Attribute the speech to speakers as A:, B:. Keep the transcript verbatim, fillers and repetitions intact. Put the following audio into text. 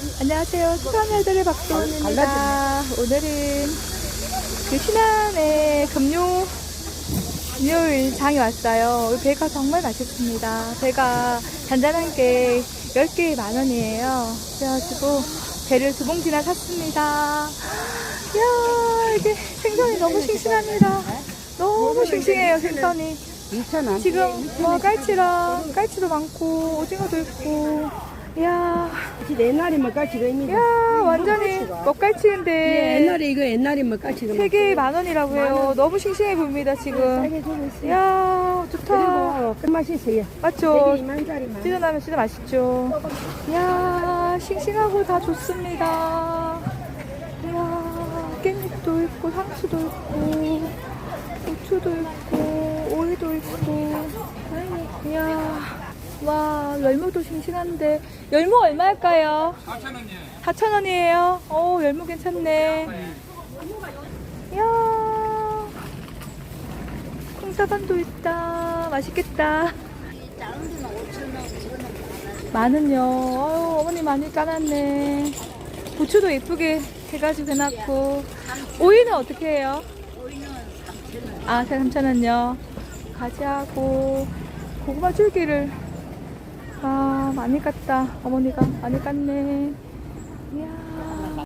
A: 안녕하세요. 수산여자의 박도입니다. 오늘은 그 신안의 금요, 금요일 장에 왔어요. 우리 배가 정말 맛있습니다. 배가 잔잔한 게 열 개에 만 원이에요. 그래가지고 배를 두 봉지나 샀습니다. 이야, 이게 생선이 너무 싱싱합니다. 너무 싱싱해요, 생선이.
B: 이천 원.
A: 지금 뭐 깔치랑 깔치도 많고 오징어도 있고, 이야,
B: 옛날에 먹갈치가 입니다.
A: 이야, 완전히 먹갈치인데
B: 예, 옛날에 이거 옛날에 먹갈치가
A: 세 개에 만 원이라고 해요. 너무 싱싱해 보입니다 지금.
B: 싸게 주고 있어요.
A: 이야, 좋다.
B: 그리고 끝맛이 있어요.
A: 맞죠?
B: 이만짜리만.
A: 찢어나면 진짜 맛있죠. 이야, 싱싱하고 다 좋습니다. 이야, 깻잎도 있고 상추도 있고 고추도 있고 오이도 있고. 이야, 와, 열무도 싱싱한데. 열무 얼마일까요?
C: 사천 원이에요.
A: 사천 원이에요. 오, 열무 괜찮네. 이야, 콩사반도 있다. 맛있겠다. 마는요. 어휴, 어머니 많이 까놨네. 고추도 예쁘게 해가지고 해놨고. 오이는 어떻게 해요? 아, 삼천 원요. 가지하고 고구마 줄기를, 아, 많이 깠다. 어머니가 많이 깠네. 이야,